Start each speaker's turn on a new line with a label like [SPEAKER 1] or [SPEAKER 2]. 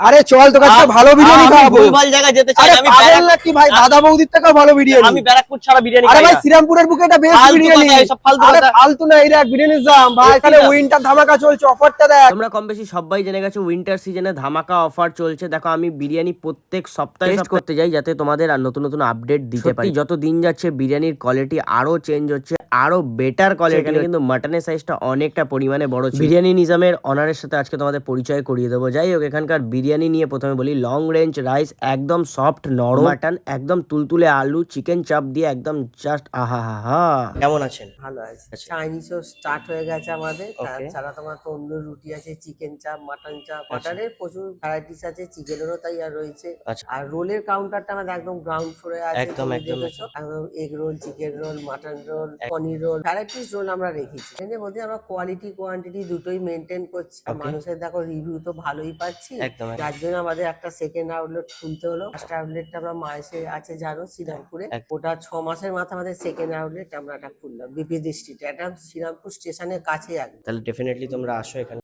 [SPEAKER 1] আরে চল তোর কাছে ভালো বিরিয়ানি খাওয়াবো।
[SPEAKER 2] ভুলভাল জায়গায় যেতে চাই
[SPEAKER 1] আরে
[SPEAKER 2] না, আমি
[SPEAKER 1] পাগল নাকি ভাই, দাদা বৌদির থেকেও ভালো বিরিয়ানি।
[SPEAKER 2] আমি ব্যারাকপুর ছাড়া বিরিয়ানি
[SPEAKER 1] আরে
[SPEAKER 2] খাই
[SPEAKER 1] ভাই
[SPEAKER 2] না।
[SPEAKER 1] শ্রীরামপুরের বুকে এটা বেস্ট
[SPEAKER 2] ফালতু
[SPEAKER 1] বিরিয়ানি।
[SPEAKER 2] কথা, এসব ফালতু
[SPEAKER 1] আরে
[SPEAKER 2] কথা।
[SPEAKER 1] ফালতু না, এই দেখ বিরিয়ানির দাম ভাই, এখানে
[SPEAKER 2] দাম?
[SPEAKER 1] উইন্টার ধামাকা চলছে, অফারটা দেখ।
[SPEAKER 3] তোমরা কম বেশি সবাই জেনে গেছো উইন্টার সিজনে ধামাকা অফার চলছে। দেখো আমি বিরিয়ানি প্রত্যেক সপ্তাহে টেস্ট করতে যাই যাতে তোমাদের আর নতুন নতুন আপডেট দিতে পারি। যত দিন যাচ্ছে বিরিয়ানির কোয়ালিটি আরো চেঞ্জ হচ্ছে, আরো বেটার কোয়ালিটি। এখানে কিন্তু মাটনের সাইজটা অনেকটা পরিমাণে বড় ছিল। বিরিয়ানি নিজামের অনারের সাথে আজকে তোমাদের পরিচয় করিয়ে দেবো। যাই হোক, এখানকার বিরিয়ানি নিয়ে প্রথমে বলি। লং রেঞ্জ রাইস, একদম সফট নরম মাটন, একদম তুলতুলে আলু, চিকেন চাপ দিয়ে একদম জাস্ট আহা হা হা।
[SPEAKER 2] কেমন আছেন?
[SPEAKER 4] ভালো আছে।
[SPEAKER 2] আচ্ছা।
[SPEAKER 4] চাইনিজও স্টার্ট হয়ে গেছে আমাদের।
[SPEAKER 2] Okay.
[SPEAKER 4] তাছাড়া তোমার তন্দুর রুটি আছে, চিকেন চাপ, মাটন চাপ। মাটনের প্রচুর ভ্যারাইটিস আছে, চিকেনেরও তাই আর রয়েছে।
[SPEAKER 2] আচ্ছা।
[SPEAKER 4] আর রোলের কাউন্টারটা আমাদের একদম গ্রাউন্ড ফ্লোরে আছে।
[SPEAKER 2] একদম,
[SPEAKER 4] তুমি
[SPEAKER 2] একদম,
[SPEAKER 4] দেখেছো, একদম egg roll, chicken roll, mutton roll, paneer roll, varieties roll আমরা রেখেছি। এর মধ্যে আমরা কোয়ালিটি কোয়ান্টিটি দুটোই মেনটেন করছি। আর
[SPEAKER 2] Okay.
[SPEAKER 4] মানুষের দেখো রিভিউ তো ভালোই পাচ্ছি।
[SPEAKER 2] একদম, একদম।
[SPEAKER 4] যার জন্য আমাদের একটা সেকেন্ড আউটলেট খুলতে হলো। ফার্স্ট আউটলেটটা আমরা মাসে আছে জানো শ্রীরামপুরে। ওটা 6 মাসের মাথায় আমাদের সেকেন্ড আউটলেট আমরা এটা খুললাম বিপি দৃষ্টিতে। এটা শ্রীরামপুর স্টেশনের কাছে একদম।
[SPEAKER 2] তাহলে ডেফিনেটলি তোমরা আসো এখানে।